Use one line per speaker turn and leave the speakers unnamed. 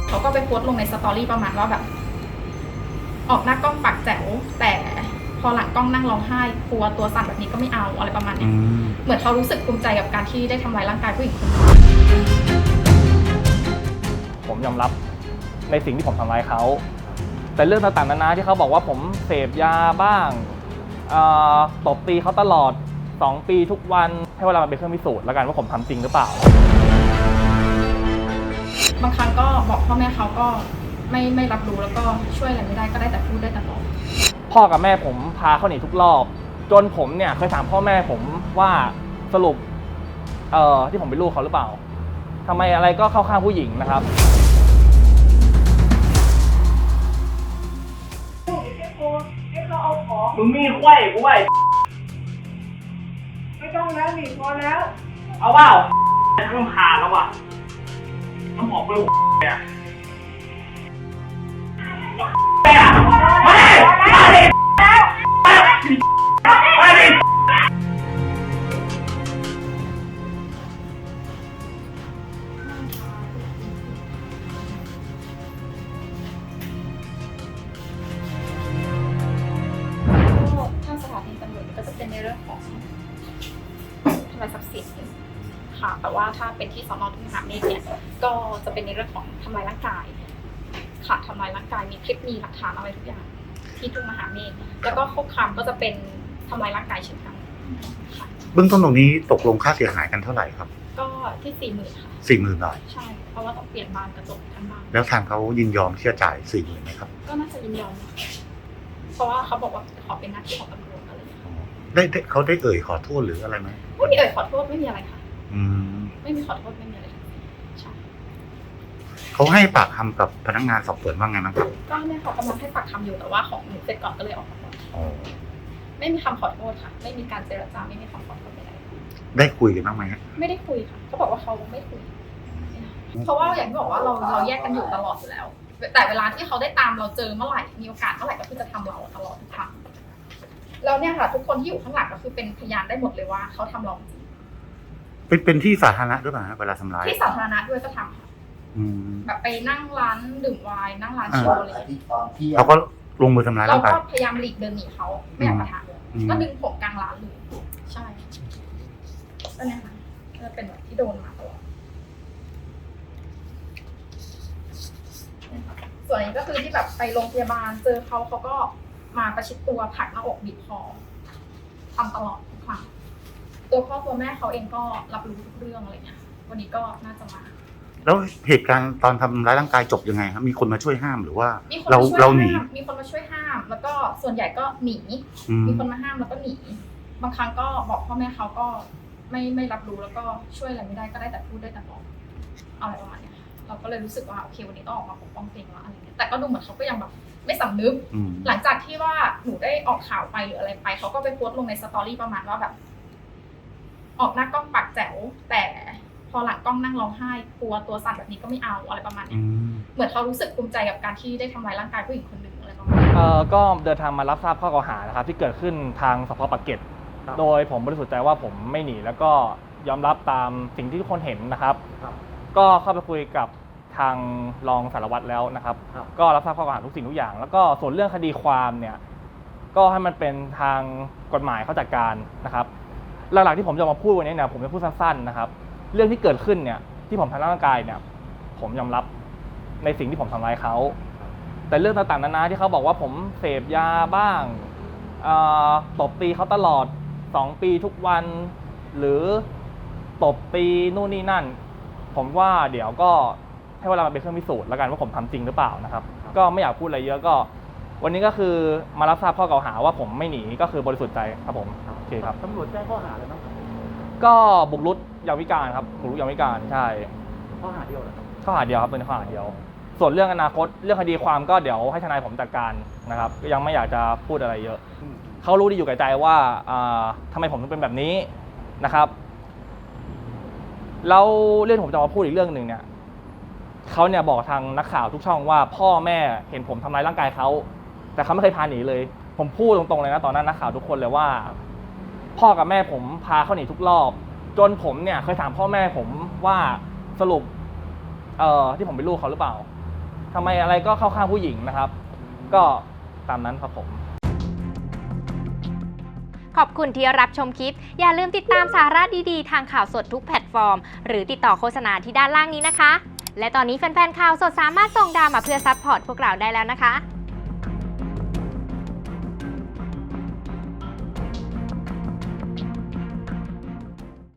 เขาก็ไปโพสต์ลงในสตอรี่ประมาณว่าแบบออกหน้ากล้องปากแจ๋วแต่พอหลังกล้องนั่งร้องไห้กลัวตัวสั่นแบบนี้ก็ไม่เอาอะไรประมาณนี้เหมือนเขารู้สึกภูมิใจกับการที่ได้ทำร้ายร่างกายผู้หญิงคนนึง
ผมยอมรับในสิ่งที่ผมทำร้ายเขาแต่เรื่องต่างๆนานาที่เขาบอกว่าผมเสพยาบ้างตบตีเขาตลอด2 ปีทุกวันให้เวลามันเป็นเครื่องพิสูจน์แล้วกันว่าผมทำจริงหรือเปล่า
บางครั้งก็บอกพ่อแม่เขาก็ไม่รับรู้แล้วก็ช่วยอะไรไม่ได้ก็ได้แต่พูดได้แต่บอก
พ่อกับแม่ผมพาเขาหนีทุกรอบจนผมเนี่ยเคยถามพ่อแม่ผมว่าสรุปที่ผมเป็นลูกเขาหรือเปล่าทำไมอะไรก็เข้าข้างผู้หญิงนะครับ
มึงมีไขว้กูไว้ไม่ต้องแล้วหนีพอแล้วเอาเปล่าต้องผ่านแล้วว่ะต้องบอกไปเนี่ย
ทางสถานีตำรวจก็จะเป็นในเรื่องของทำลายทรัพย์สินค่ะแต่ว่าถ้าเป็นที่สน.ทุ่งมหาเมฆเนี่ยก็จะเป็นในเรื่องของทำลายร่างกายค่ะทำลายร่างกายมีคลิปมีหลักฐานอะไรทุกอย่างที่ทุ่งมหาเมฆแล้วก็คุกคามก็จะเป็นทำลายร่างกายเช่นกันค่ะ
เบื้องต้นตรงนี้ตกลงค่าเสียหายกันเท่าไหร่ครับ
ก็ที่40,000ค่ะ
40,000 บาท
ใช่เพราะว่าต้องเปลี่ยนบานกระจกทั้งบ้าน
แล้วทางเขายินยอมที่จะจ่าย40,000ไหมครับ
ก็น่าจะยินยอมเพราะว่าเขาบอกว่าขอเป็นหน้าที่ของตำรวจอะไรอย่างเงี้ย
เขาได้เอ่ยขอโทษหรืออะไรไหม
ไม่มีเอ่ยขอโทษไม่มีอะไรค่ะไม่มีขอโทษไม่มีอะไรใช่
เขาให้ปากคำกับพนักงานสอบสวนว่าไงบ้างครับ
ก็เนี่ยเขากำลังให้ปากคำอยู่แต่ว่าของหนูเสร็จก่อนก็เลยออกมาก่อนไม่มีคำขอโทษค่ะไม่มีการเจรจาไม่มีคำขอโทษใด
ได้คุยกันบ้างไหม
ไม่ได้คุยค่ะเขาบอกว่าเขาไม่คุยเพราะว่าอย่างที่บอกว่าเราแยกกันอยู่ตลอดอยู่แล้วแต่เวลาที่เขาได้ตามเราเจอเมื่อไหร่มีโอกาสเมื่อไหร่ก็คือจะทำเราตลอดทุกครั้งแล้วเนี่ยค่ะทุกคนที่อยู่ข้างหลังก็คือเป็นพยานได้หมดเลยว่าเขาทำเราจริง
เป็นที่สาธารณะด้วยป่ะเวลาทำร้าย
ที่สาธารณะด้วยก็ทำค่ะแบบไปนั่งร้านดื่มไวน์นั่งร้านโชว์อะไร
เขาก็ลงมือทำร้าย
เรา
ร่างกาย
ก็พยายามหลีกเดินหนีเขาไม่อยากปะทะก็ดึงผมกลางร้านเลยใช่ก็เนี่ยค่ะจะเป็นแบบที่โดนมาตลอดส่วนนี้ก็คือที่แบบไปโรงพยาบาลเจอเขาก็มาประชิดตัวผลักหน้าอกบีบคอทำตลอดทุกครั้งตัวพ่อตัวแม่เขาเองก็รับรู้ทุกเรื่องอะไรเงี้ยวันนี้ก็น่าจะมา
แล้วเหตุการณ์ตอนทำร้ายร่างกายจบยังไงครับมีคนมาช่วยห้ามหรือว่าเราหนี
มีคนมาช่วยห้ามแล้วก็ส่วนใหญ่ก็หนีมีคนมาห้ามแล้วก็หนีบางครั้งก็บอกพ่อแม่เขาก็ไม่รับรู้แล้วก็ช่วยอะไรไม่ได้ก็ได้แต่พูดได้แต่บอกอะไรประมาณนี้เราก็เลยรู้สึกว่าโอเควันนี้ต้องออกมาปกป้องตัวเองแล้วอะไรเงี้ยแต่ก็ดูเหมือนเขาก็ยังแบบไม่สำนึกหลังจากที่ว่าหนูได้ออกข่าวไปหรืออะไรไปเขาก็ไปโพสต์ลงในสตอรี่ประมาณว่าแบบออกหน้ากล้องปากแจ๋วแต่พอหลังกล้องนั่งร้องไห้กลัวตัวสั่นแบบนี้ก็ไม่เอาอะไรประมาณนี้เหมือนเขารู้สึกภูมิใจกับการที่ได้ทำร้ายร่างกายผู้หญิงคนหนึ่งอะไรประมาณนี้
ก็เดินทางมารับทราบข้อกล่าวหานะครับที่เกิดขึ้นทางสพ.ปากเกร็ดโดยผมบริสุทธิ์ใจว่าผมไม่หนีแล้วก็ยอมรับตามสิ่งที่ทุกคนเห็นนะครับก็เข้าไปคุยกับทางรองสารวัตรแล้วนะครับก็รับทราบข้อกล่าวหาทุกสิ่งทุกอย่างแล้วก็ส่วนเรื่องคดีความเนี่ยก็ให้มันเป็นทางกฎหมายเขาจัดการนะครับหลักๆที่ผมจะมาพูดวันนี้เนี่ยผมจะพูดสั้นๆนะครับเรื่องที่เกิดขึ้นเนี่ยที่ผมทำร้ายร่างกายเนี่ยผมยอมรับในสิ่งที่ผมทำร้ายเขาแต่เรื่องต่างๆนานาที่เขาบอกว่าผมเสพยาบ้างตบตีเขาตลอด2 ปีทุกวันหรือตบตีนู่นนี่นั่นผมว่าเดี๋ยวก็ให้เวลามันเป็นเครื่องพิสูจน์แล้วกันว่าผมทำจริงหรือเปล่านะครับก็ไม่อยากพูดอะไรเยอะก็วันนี้ก็คือมารับทราบข้อกล่าวหาว่าผมไม่หนีก็คือบริสุทธิ์ใจครับผมโอเคครับ
ตำรวจแจ้งข้อหาอะไรบ้าง
ก็บุกรุกยามวิการครับบุกรุกยามวิการใช่
ข้อหาเดียวเหรอ
ข้อหาเดียวครับเป็นข้อหาเดียวส่วนเรื่องอนาคตเรื่องคดีความก็เดี๋ยวให้ทนายผมจัดการนะครับยังไม่อยากจะพูดอะไรเยอะเขารู้ดีอยู่แก่ใจว่าทำไมผมถึงเป็นแบบนี้นะครับแล้วเรื่องผมจะมาพูดอีกเรื่องหนึ่งเนี่ยเขาเนี่ยบอกทางนักข่าวทุกช่องว่าพ่อแม่เห็นผมทำร้ายร่างกายเขาแต่เขาไม่เคยพาหนีเลยผมพูดตรงๆเลยนะตอนนั้นนักข่าวทุกคนเลยว่าพ่อกับแม่ผมพาเขาหนีทุกรอบจนผมเนี่ยเคยถามพ่อแม่ผมว่าสรุปที่ผมเป็นลูกเขาหรือเปล่าทำไมอะไรก็เข้าข้างผู้หญิงนะครับ ก็ตามนั้นครับผม
ขอบคุณที่รับชมคลิปอย่าลืมติดตามสาระดีๆทางข่าวสดทุกแพลตฟอร์มหรือติดต่อโฆษณาที่ด้านล่างนี้นะคะและตอนนี้แฟนๆข่าวสดสามารถส่งดาวมาเพื่อซัพพอร์ตพวกเราได้แล้วนะคะ